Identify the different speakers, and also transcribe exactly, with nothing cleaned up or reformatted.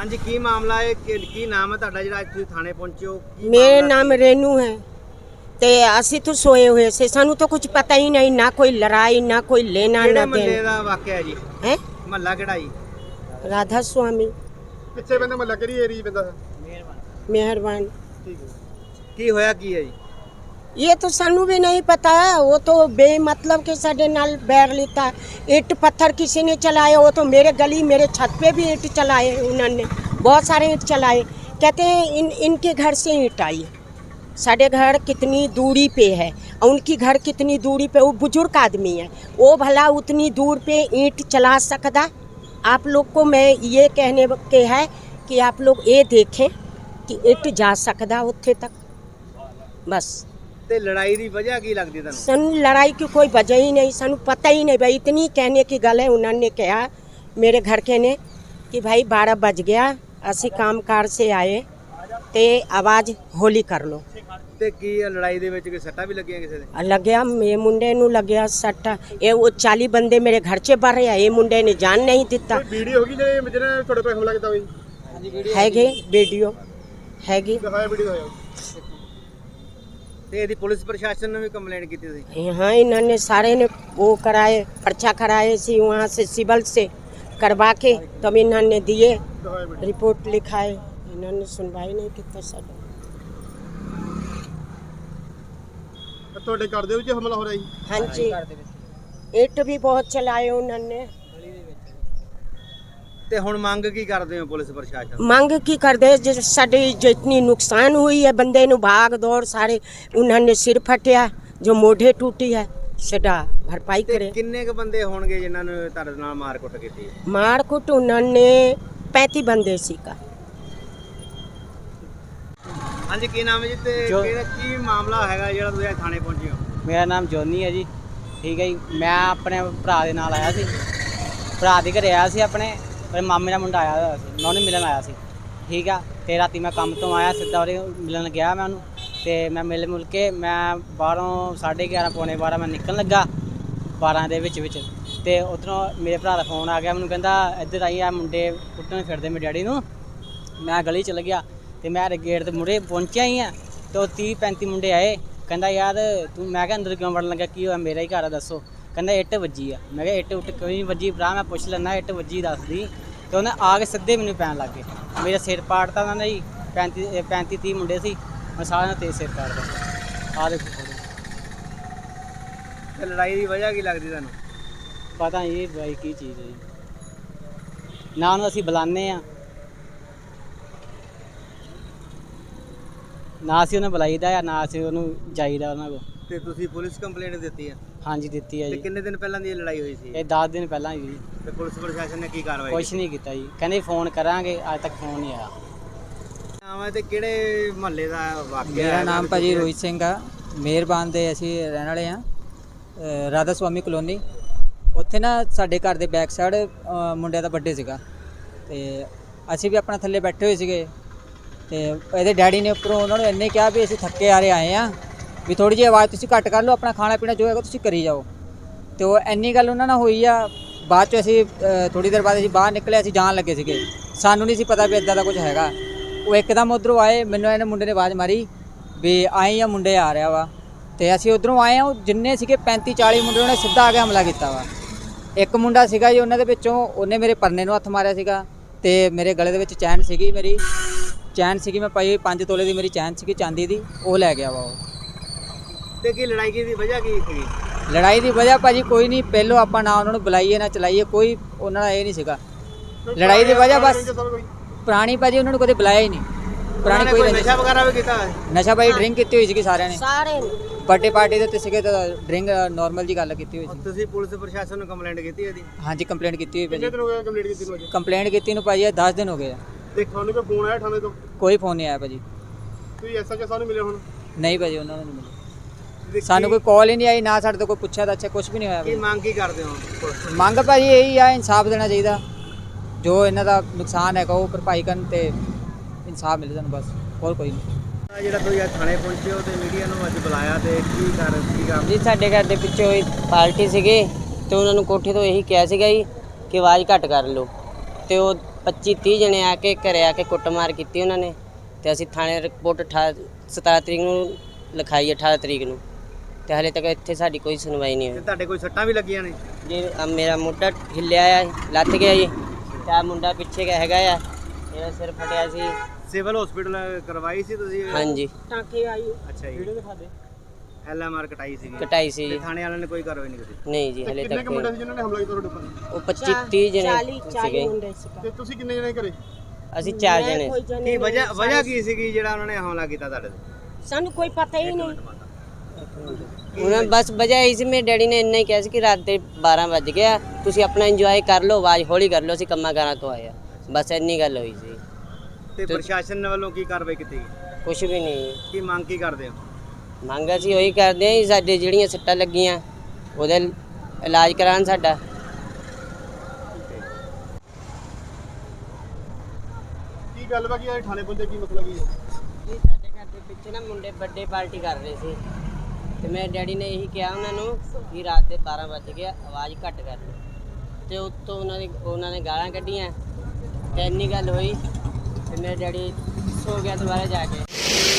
Speaker 1: हाँ जी, की मामला है कि की नाम है ਤੁਹਾਡਾ ਜਿਹੜਾ ਅੱਜ ਤੁਸੀਂ ਥਾਣੇ ਪਹੁੰਚੇ ਹੋ?
Speaker 2: मेरा नाम रेनू है। ते असी तो सोए हुए से, सानू तो कुछ पता ही नहीं, ना कोई लड़ाई ना कोई लेना
Speaker 1: ਕਿਹੜੇ
Speaker 2: ना
Speaker 1: ਮਹੱਲੇ
Speaker 2: देना
Speaker 1: ਦਾ ਵਾਕਿਆ ਹੈ ਜੀ?
Speaker 2: है।
Speaker 1: ਮਹੱਲਾ ਕਿਹੜਾ ਜੀ?
Speaker 2: राधा स्वामी
Speaker 3: ਪਿੱਛੇ ਬੰਦਾ ਮਹੱਲਾ ਕਿਹੜੀ ਏਰੀਆ ਪੈਂਦਾ ਹੈ?
Speaker 2: मेहरबान।
Speaker 3: ਠੀਕ ਹੈ।
Speaker 1: ਕੀ ਹੋਇਆ ਕੀ ਹੈ ਜੀ?
Speaker 2: ये तो सानू भी नहीं पता है, वो तो बेमतलब के साडे नाल बैर लेता। ईंट पत्थर किसी ने चलाए, वो तो मेरे गली मेरे छत पे भी ईंट चलाए उन्होंने, बहुत सारे ईंट चलाए। कहते हैं इन इनके घर से ईंट आई। साडे घर कितनी दूरी पे है और उनकी घर कितनी दूरी पे, वो बुजुर्ग आदमी है, वो भला उतनी दूर पे ईंट चला सकता? आप लोग को मैं ये कहने के है कि आप लोग ये देखें कि ईंट जा सकता उत्थे तक, बस।
Speaker 1: ਤੇ ਲੜਾਈ ਦੀ ਵਜ੍ਹਾ ਕੀ ਲੱਗਦੀ ਤੁਹਾਨੂੰ?
Speaker 2: सानू लड़ाई की कोई वजह ही नहीं, सानू पता ही नहीं भाई। इतनी कहने की गल है, उन्होंने कहा मेरे घर के ने कि भाई बारह बज गया, असी काम कार से आए ते आवाज़ होली कर लो।
Speaker 1: ਤੇ ਕੀ ਇਹ ਲੜਾਈ ਦੇ ਵਿੱਚ ਕੋਈ ਸੱਟਾਂ ਵੀ ਲੱਗੀਆਂ ਕਿਸੇ ਦੇ?
Speaker 2: लग गया मेरे मुंडे नू लग गया सट। ये वो चाली बंदे मेरे घर से बढ़ रहे, ये मुंडे ने जान नहीं दिता।
Speaker 3: ਵੀਡੀਓ ਹੋ ਗਈ ਜਿਹੜੇ ਜਿਹਨੇ ਤੁਹਾਡੇ पे ਹਮਲਾ ਕੀਤਾ ਹੋਈ?
Speaker 2: हैगे वीडियो हैगी।
Speaker 3: ਦਿਖਾਇਆ ਵੀਡੀਓ ਹੋਇਆ।
Speaker 1: ਤੇ ਇਹਦੀ ਪੁਲਿਸ ਪ੍ਰਸ਼ਾਸਨ ਨੇ ਵੀ ਕੰਪਲੇਂਟ ਕੀਤੀ ਸੀ?
Speaker 2: यहाँ इन्होंने सारे ने वो कराए, पर्चा कराए सी वहाँ से सिविल से करवा के तब इन्होंने दिए,
Speaker 3: ਦਿਖਾਇਆ ਵੀਡੀਓ।
Speaker 2: रिपोर्ट लिखाए, इन्होंने सुनवाई नहीं की। सर
Speaker 3: ਤੁਹਾਡੇ ਘਰ ਦੇ ਵਿੱਚ ਹਮਲਾ ਹੋ ਰਿਹਾ ਜੀ?
Speaker 2: हाँ जी, ईंट भी बहुत चलाए उन्होंने।
Speaker 1: ਤੇ ਹੁਣ ਮੰਗ ਕੀ ਕਰਦੇ ਹੋ ਪੁਲਿਸ ਪ੍ਰਸ਼ਾਸਨ?
Speaker 2: मांग की कर दे, जिस साडी जितनी नुकसान हुई है, बंदे नु भाग दौड़ सारे, उन्होंने सिर फटिया, जो मोढे टूटी है सदा भरपाई
Speaker 1: ਤੇ
Speaker 2: करे।
Speaker 1: ਕਿੰਨੇ ਕ ਬੰਦੇ ਹੋਣਗੇ ਜਿਨ੍ਹਾਂ ਨੇ ਤੁਹਾਡੇ ਨਾਲ ਮਾਰ ਕੁੱਟ ਕੀਤੀ?
Speaker 2: मार कुट उन्होंने पैंती बंदे सी का।
Speaker 1: ਹਾਂਜੀ, ਕੀ ਨਾਮ ਹੈ ਜੀ ਤੇ
Speaker 4: ਜੋ-
Speaker 1: ਕਿਹੜਾ ਕੀ ਮਾਮਲਾ ਹੈਗਾ ਜਿਹੜਾ ਤੁਸੀਂ ਅੱਜ ਥਾਣੇ ਪਹੁੰਚੇ ਹੋ?
Speaker 4: ਮੇਰਾ ਨਾਮ ਜੋਨੀ ਹੈ ਜੀ। ਠੀਕ ਹੈ ਜੀ, ਮੈਂ ਆਪਣੇ ਭਰਾ ਦੇ ਨਾਲ ਆਇਆ ਸੀ, ਭਰਾ ਦੇ ਘਰੇ ਆਇਆ ਸੀ ਆਪਣੇ। ਮੇਰੇ ਮਾਮੇ ਦਾ ਮੁੰਡਾ ਆਇਆ ਹੋਇਆ ਸੀ, ਮੈਂ ਉਹਨੂੰ ਮਿਲਣ ਆਇਆ ਸੀ। ਠੀਕ ਆ, ਤੇ ਰਾਤੀ ਮੈਂ ਕੰਮ ਤੋਂ ਆਇਆ ਸਿੱਧਾ ਉਹਦੇ ਮਿਲਣ ਗਿਆ ਮੈਂ ਉਹਨੂੰ। ਤੇ ਮੈਂ ਮਿਲ ਮੁਲ ਕੇ ਮੈਂ ਬਾਹਰੋਂ ਸਾਢੇ ਗਿਆਰਾਂ ਪੌਣੇ ਬਾਰਾਂ ਮੈਂ ਨਿਕਲਣ ਲੱਗਾ, ਬਾਰਾਂ ਦੇ ਵਿੱਚ ਵਿੱਚ। ਤੇ ਉੱਧਰੋਂ ਮੇਰੇ ਭਰਾ ਦਾ ਫੋਨ ਆ ਗਿਆ, ਮੈਨੂੰ ਕਹਿੰਦਾ ਇੱਧਰ ਆਈ ਆ ਮੁੰਡੇ ਕੁੱਟਣ ਫਿਰਦੇ ਮੇਰੇ ਡੈਡੀ ਨੂੰ। ਮੈਂ ਗਲੀ ਚਲ ਗਿਆ ਤੇ ਮੈਂ ਗੇਟ ਦੇ ਮੁੜੇ ਪਹੁੰਚਿਆ ਹੀ ਆ ਤੇ ਉਹ ਤੀਹ ਪੈਂਤੀ ਮੁੰਡੇ ਆਏ। ਕਹਿੰਦਾ ਯਾਰ ਤੂੰ, ਮੈਂ ਕਿਹਾ ਅੰਦਰ ਕਿਉਂ ਵੜਨ ਲੱਗਾ, ਕੀ ਹੋਇਆ, ਮੇਰਾ ਹੀ ਘਰ ਆ ਦੱਸੋ। ਕਹਿੰਦਾ ਇੱਟ ਵੱਜੀ ਆ। ਮੈਂ ਕਿਹਾ ਇੱਟ ਉੱਟ ਕੋਈ ਨਹੀਂ ਵੱਜੀ ਭਰਾ, ਮੈਂ ਪੁੱਛ ਲੈਣਾ ਇੱਟ ਵੱਜੀ ਦੱਸਦੀ। ਤੇ ਉਹਨੇ ਆ ਕੇ ਸਿੱਧੇ ਮੈਨੂੰ ਪੈਣ ਲੱਗ ਗਏ, ਮੇਰਾ ਸਿਰ ਪਾੜਤਾ ਉਹਨਾਂ ਨੇ ਜੀ। ਪੈਂਤੀ ਪੈਂਤੀ ਤੀਹ ਮੁੰਡੇ ਸੀ, ਮੈਂ ਸਾਰਿਆਂ ਨੇ ਤੇਜ਼ ਸਿਰ ਪਾੜਦਾ। ਆ ਦੇਖੋ
Speaker 1: ਤੇ ਲੜਾਈ ਦੀ ਵਜ੍ਹਾ ਕੀ ਲੱਗਦੀ ਤੁਹਾਨੂੰ?
Speaker 4: ਪਤਾ ਨਹੀਂ ਬਾਈ ਕੀ ਚੀਜ਼ ਹੈ ਜੀ, ਨਾ ਉਹਨੂੰ ਅਸੀਂ ਬੁਲਾਉਂਦੇ ਆ ਨਾ ਅਸੀਂ ਉਹਨੂੰ ਬੁਲਾਈਦਾ ਆ, ਨਾ ਅਸੀਂ ਉਹਨੂੰ ਜਾਈਦਾ ਉਹਨਾਂ ਕੋਲ।
Speaker 1: ਤੇ ਤੁਸੀਂ ਪੁਲਿਸ ਕੰਪਲੇਂਟ ਦਿੱਤੀ ਹੈ?
Speaker 4: ਹਾਂਜੀ ਦਿੱਤੀ ਹੈ
Speaker 1: ਤੇ
Speaker 4: ਜੀ,
Speaker 1: ਕਿੰਨੇ ਦਿਨ ਪਹਿਲਾਂ ਦੀ ਇਹ ਲੜਾਈ ਹੋਈ ਸੀ?
Speaker 4: ਇਹ ਦਸ ਦਿਨ ਪਹਿਲਾਂ ਜੀ।
Speaker 1: ਤੇ ਪੁਲਿਸ ਪ੍ਰਸ਼ਾਸਨ ਨੇ ਕੀ ਕਾਰਵਾਈ
Speaker 4: ਕੁਛ ਨਹੀਂ ਕੀਤਾ ਜੀ, ਕਹਿੰਦੇ ਫੋਨ ਕਰਾਂਗੇ, ਅੱਜ ਤੱਕ ਫੋਨ ਨਹੀਂ ਆਇਆ।
Speaker 1: ਨਾਮ ਹੈ ਤੇ ਕਿਹੜੇ ਮਹੱਲੇ ਦਾ ਵਾਕਿਆ?
Speaker 5: ਮੇਰਾ
Speaker 1: ਹੈਗਾ
Speaker 5: ਨਾਮ
Speaker 1: ਤੇ
Speaker 5: ਭਾਜੀ
Speaker 1: ਕਿਹੜੇ-
Speaker 5: ਰੋਹਿਤ ਸਿੰਘ ਆ, ਮਿਹਰਬਾਨ ਦੇ ਅਸੀਂ ਰਹਿਣ ਵਾਲੇ ਆ, ਰਾਧਾ ਸਵਾਮੀ ਕਲੋਨੀ। ਉੱਥੇ ਨਾ ਸਾਡੇ ਘਰ ਦੇ ਬੈਕ ਸਾਈਡ ਮੁੰਡਿਆਂ ਦਾ ਬਰਥਡੇ ਸੀਗਾ ਤੇ ਅਸੀਂ ਵੀ ਆਪਣਾ ਥੱਲੇ ਬੈਠੇ ਹੋਏ ਸੀਗੇ। ਤੇ ਇਹਦੇ ਡੈਡੀ ਨੇ ਉੱਪਰੋਂ ਉਹਨਾਂ ਨੂੰ ਇੰਨੇ ਕਿਹਾ ਵੀ ਅਸੀਂ ਥੱਕੇ ਆ ਰਹੇ ਆਏ ਆ, ਵੀ ਥੋੜੀ ਜਿਹੀ ਆਵਾਜ਼ ਤੁਸੀਂ ਘੱਟ ਕਰ ਲਓ, ਆਪਣਾ ਖਾਣਾ ਪੀਣਾ ਜੋ ਹੈਗਾ ਤੁਸੀਂ ਕਰੀ ਜਾਓ। ਤੇ ਉਹ ਇੰਨੀ ਗੱਲ ਉਹਨਾਂ ਨਾਲ ਹੋਈ ਆ। ਬਾਅਦ 'ਚ ਅਸੀਂ ਥੋੜੀ ਦੇਰ ਬਾਅਦ ਅਸੀਂ ਬਾਹਰ ਨਿਕਲੇ, ਅਸੀਂ ਜਾਣ ਲੱਗੇ ਸੀਗੇ, ਸਾਨੂੰ ਨਹੀਂ ਸੀ ਪਤਾ ਵੀ ਇੱਦਾਂ ਦਾ ਕੁਝ ਹੈਗਾ। ਉਹ ਇੱਕਦਮ ਉੱਧਰੋਂ ਆਏ, ਮੈਨੂੰ ਇਹਨੇ ਮੁੰਡੇ ਨੇ ਆਵਾਜ਼ ਮਾਰੀ ਵੀ ਆਏ ਆ ਮੁੰਡੇ ਆ ਰਿਹਾ ਵਾ। ਤੇ ਅਸੀਂ ਉੱਧਰੋਂ ਆਏ ਆ, ਉਹ ਜਿੰਨੇ ਸੀਗੇ ਪੈਂਤੀ ਚਾਲੀ ਮੁੰਡੇ ਉਹਨੇ ਸਿੱਧਾ ਆ ਕੇ ਹਮਲਾ ਕੀਤਾ ਵਾ। ਇੱਕ ਮੁੰਡਾ ਸੀਗਾ ਜੀ ਉਹਨਾਂ ਦੇ ਵਿੱਚੋਂ, ਉਹਨੇ ਮੇਰੇ ਪਰਨੇ ਨੂੰ ਹੱਥ ਮਾਰਿਆ ਸੀਗਾ ਤੇ ਮੇਰੇ ਗਲੇ ਦੇ ਵਿੱਚ ਚੈਨ ਸੀਗੀ, ਮੇਰੀ ਚੈਨ ਸੀਗੀ ਮੈਂ ਪਾਈ ਪੰਜ ਤੋਲੇ ਦੀ ਮੇਰੀ ਚੈਨ ਸੀਗੀ ਚਾਂਦੀ ਦੀ, ਉਹ ਲੈ ਗਿਆ ਵਾ ਉਹ।
Speaker 1: ਤੇ ਕੀ ਲੜਾਈ ਦੀ ਵਜ੍ਹਾ ਕੀ ਸੀ?
Speaker 5: ਲੜਾਈ ਦੀ ਵਜ੍ਹਾ ਭਾਜੀ ਕੋਈ ਨਹੀਂ, ਪਹਿਲੋਂ ਆਪਾਂ ਨਾ ਉਹਨਾਂ ਨੂੰ ਬੁਲਾਈਏ ਨਾ ਚਲਾਈਏ, ਕੋਈ ਉਹਨਾਂ ਦਾ ਇਹ ਨਹੀਂ ਸੀਗਾ। ਲੜਾਈ ਦੀ ਵਜ੍ਹਾ ਬਸ ਪੁਰਾਣੀ ਭਾਜੀ, ਉਹਨਾਂ ਨੂੰ ਕਦੇ ਬੁਲਾਇਆ ਹੀ ਨਹੀਂ। ਪੁਰਾਣੀ ਕੋਈ
Speaker 1: ਨਸ਼ਾ ਵਗੈਰਾ ਵੀ ਕੀਤਾ?
Speaker 5: ਨਸ਼ਾ ਭਾਈ ਡਰਿੰਕ ਕੀਤੀ ਹੋਈ ਸੀਗੀ ਸਾਰਿਆਂ ਨੇ,
Speaker 2: सारे
Speaker 5: ਬਰਥਡੇ ਪਾਰਟੀ ਦੇ ਉੱਤੇ ਸੀਗੇ ਤਾਂ ਡਰਿੰਕ ਨਾਰਮਲ ਜੀ ਗੱਲ ਕੀਤੀ ਹੋਈ ਸੀ।
Speaker 1: ਤੁਸੀਂ ਪੁਲਿਸ ਪ੍ਰਸ਼ਾਸਨ ਨੂੰ ਕੰਪਲੇਂਟ ਕੀਤੀ ਇਹਦੀ?
Speaker 5: ਹਾਂਜੀ ਕੰਪਲੇਂਟ ਕੀਤੀ ਹੋਈ
Speaker 3: ਕਿੰਨੇ
Speaker 5: ਭਾਜੀ,
Speaker 3: ਦਿਨ ਹੋ ਗਏ ਕੰਪਲੀਟ ਕੀਤੀ ਨੂੰ ਅੱਜ?
Speaker 5: ਕੰਪਲੇਂਟ ਕੀਤੀ ਨੂੰ ਭਾਜੀ ਦਸ ਦਿਨ ਹੋ ਗਏ ਆ,
Speaker 3: ਤੇ ਤੁਹਾਨੂੰ ਕੋਈ ਫੋਨ ਆਇਆ ਥਾਣੇ ਤੋਂ?
Speaker 5: ਕੋਈ ਫੋਨ ਨਹੀਂ ਆਇਆ ਭਾਜੀ।
Speaker 3: ਤੁਸੀਂ ਐਸਐਚਓ ਸਾਹਿਬ ਨੂੰ ਮਿਲੇ ਹੁਣ?
Speaker 5: ਨਹੀਂ ਭਾਜੀ ਉਹਨਾਂ ਨੂੰ ਨਹੀਂ ਮਿਲਿਆ,
Speaker 1: ਤੇ
Speaker 5: ਸਾਨੂੰ ਕੋਈ ਕਾਲ ਹੀ ਨਹੀਂ ਆਈ, ਨਾ ਸਾਡੇ ਤੋਂ ਕੋਈ ਪੁੱਛਿਆ ਤਾਂ ਅੱਛਾ ਕੁਝ ਵੀ ਨਹੀਂ ਹੋਇਆ
Speaker 1: ਕੀ
Speaker 5: ਭਾਜੀ।
Speaker 1: ਮੰਗ ਕੀ ਕਰਦੇ ਹੋ ਪੁਲਿਸ ਤੋਂ?
Speaker 5: ਮੰਗ ਭਾਜੀ ਇਹੀ ਆ, ਇਨਸਾਫ ਦੇਣਾ ਚਾਹੀਦਾ, ਜੋ ਇਹਨਾਂ ਦਾ ਨੁਕਸਾਨ ਹੈਗਾ ਉਹ ਭਰਪਾਈ ਕਰਨ ਤੇ ਇਨਸਾਫ ਮਿਲੇ ਸਾਨੂੰ, ਬਸ ਹੋਰ ਕੋਈ ਨਹੀਂ।
Speaker 1: ਆਹ ਜਿਹੜਾ ਤੁਸੀਂ ਅੱਜ ਥਾਣੇ ਪਹੁੰਚੇ ਹੋ ਤੇ ਮੀਡੀਆ ਨੂੰ ਅੱਜ ਬੁਲਾਇਆ ਤੇ ਕੀ ਕਰ ਕੀ ਕੰਮ?
Speaker 6: ਜੀ ਸਾਡੇ ਘਰ ਦੇ ਪਿੱਛੇ ਹੋਈ ਪਾਰਟੀ ਸੀਗੇ ਤੇ ਉਹਨਾਂ ਨੂੰ ਕੋਠੇ ਤੋਂ ਇਹੀ ਕਿਹਾ ਸੀਗਾ ਜੀ ਕਿ ਆਵਾਜ਼ ਘੱਟ ਕਰ ਲਓ ਤੇ ਉਹ ਪੱਚੀ ਤੀਹ ਜਣੇ ਆ ਕੇ ਘਰੇ ਆ ਕੇ ਕੁੱਟਮਾਰ ਕੀਤੀ ਉਹਨਾਂ ਨੇ ਤੇ ਅਸੀਂ ਥਾਣੇ ਰਿਪੋਰਟ ਸਤਾਰਾਂ ਤਰੀਕ ਨੂੰ ਲਿਖਾਈ ਅਠਾਰਾਂ ਤਰੀਕ ਨੂੰ ਤੇ ਹਲੇ ਤੱਕ ਇੱਥੇ ਸਾਡੀ ਕੋਈ ਸੁਣਵਾਈ ਨਹੀਂ
Speaker 1: ਤੇ
Speaker 6: ਹੋਈ।
Speaker 1: ਤੁਹਾਡੇ ਕੋਈ ਸੱਟਾਂ ਵੀ ਲੱਗੀਆਂ ਨੇ?
Speaker 6: ਜੀ ਆਹ ਮੇਰਾ ਮੋਢਾ ਹਿੱਲਿਆ ਆ, ਲੱਥ ਗਿਆ ਜੀ ਤੇ ਆਹ ਮੁੰਡਾ ਪਿੱਛੇ ਕਾ ਹੈਗਾ ਆ, ਇਹਦਾ ਸਿਰ ਫਟਿਆ ਸੀ।
Speaker 1: ਸਿਵਲ ਹਸਪੀਟਲ ਕਰਵਾਈ ਸੀ ਤੁਸੀਂ?
Speaker 6: ਹਾਂਜੀ
Speaker 2: टाँके आई
Speaker 1: ਅੱਛਾ ਜੀ। ਵੀਡੀਓ ਦਿਖਾ ਦੇ। ਐਲ ਐਮ ਆਰ ਕਟਾਈ ਸੀਗੀ?
Speaker 6: ਕਟਾਈ ਸੀ
Speaker 1: ਤੇ
Speaker 6: ਜੀ।
Speaker 1: ਥਾਣੇ ਵਾਲਿਆਂ ਨੇ ਕੋਈ ਕਾਰਵਾਈ ਨਹੀਂ ਕੀਤੀ?
Speaker 6: ਨਹੀਂ ਜੀ ਹਲੇ
Speaker 3: ਕਿੰਨੇ
Speaker 6: ਤੱਕ
Speaker 3: ਕੁ ਮੁੰਡੇ ਸੀ ਜਿਨ੍ਹਾਂ ਨੇ ਹਮਲਾ ਕੀਤਾ ਤੁਹਾਡੇ ਉੱਪਰ?
Speaker 6: ਉਹ ਪੱਚੀ ਤੀਹ ਜਣੇ
Speaker 2: चाली चाली
Speaker 6: ਸੀਗੇ।
Speaker 2: मुंडे सीगा
Speaker 3: ਤੇ ਤੁਸੀਂ ਕਿੰਨੇ ਜਣੇ ਘਰੇ?
Speaker 6: ਅਸੀਂ ਚਾਰ
Speaker 2: मैं
Speaker 6: ਜਣੇ
Speaker 2: कोई
Speaker 6: ਸੀ।
Speaker 2: जने
Speaker 1: ਕੀ
Speaker 2: नहीं,
Speaker 1: ਵਜ੍ਹਾ ਵਜ੍ਹਾ
Speaker 2: सारे-
Speaker 1: ਕੀ ਸੀਗੀ ਜਿਹੜਾ ਉਹਨਾਂ ਨੇ ਹਮਲਾ ਕੀਤਾ ਤੁਹਾਡੇ ਤੇ?
Speaker 2: सानू कोई पता ही नहीं।
Speaker 6: ਉਹਨਾਂ ਬਸ ਵਜ੍ਹਾ ਇਹੀ ਸੀ, ਮੇਰੇ ਡੈਡੀ ਨੇ ਇੰਨਾ ਹੀ ਕਿਹਾ ਸੀ ਕਿ ਰਾਤ ਦੇ ਬਾਰਾਂ ਵੱਜ ਗਿਆ, ਤੁਸੀਂ ਆਪਣਾ ਇੰਜੋਏ ਕਰ ਲਓ, ਆਵਾਜ਼ ਹੌਲੀ ਕਰ ਲਓ, ਅਸੀਂ ਕੰਮਾਂ ਕਾਰਾਂ ਤੋਂ ਆਏ ਆ, ਬਸ ਇੰਨੀ ਗੱਲ ਹੋਈ ਸੀ।
Speaker 1: ਤੇ ਪ੍ਰਸ਼ਾਸਨ ਵੱਲੋਂ ਕੀ ਕਾਰਵਾਈ ਕੀਤੀ ਗਈ?
Speaker 6: ਕੁਝ ਵੀ ਨਹੀਂ।
Speaker 1: ਕੀ ਮੰਗ ਕੀ ਕਰਦੇ ਹੋ?
Speaker 6: ਮੰਗ ਅਸੀਂ ਉਹੀ ਕਰਦੇ ਹਾਂ ਜੀ, ਸਾਡੇ ਜਿਹੜੀਆਂ ਸੱਟਾਂ ਲੱਗੀਆਂ ਉਹਦਾ ਇਲਾਜ ਕਰਾਉਣ ਸਾਡਾ।
Speaker 3: ਕੀ ਗੱਲ ਵਾ ਕਿ ਥਾਣੇ ਪਹੁੰਚੇ, ਕੀ ਮਸਲਾ ਕੀ ਹੈ?
Speaker 6: ਜੀ ਸਾਡੇ ਘਰ ਦੇ ਪਿੱਛੇ ਨਾ ਮੁੰਡੇ ਬਰਥਡੇ ਪਾਰਟੀ ਕਰ ਰਹੇ ਸੀ ਤੇ ਮੇਰੇ ਡੈਡੀ ਨੇ ਇਹੀ ਕਿਹਾ ਉਹਨਾਂ ਨੂੰ ਕਿ ਰਾਤ ਦੇ ਬਾਰਾਂ ਵੱਜ ਗਿਆ, ਆਵਾਜ਼ ਘੱਟ ਕਰ ਲਓ ਤੇ ਉੱਤੋਂ ਉਹਨਾਂ ਨੇ ਉਹਨਾਂ ਨੇ ਗਾਲਾਂ ਕੱਢੀਆਂ ਤੇ ਇੰਨੀ ਗੱਲ ਹੋਈ ਤੇ ਮੇਰੇ ਡੈਡੀ ਸੋ ਗਿਆ ਦੁਬਾਰਾ ਜਾ ਕੇ।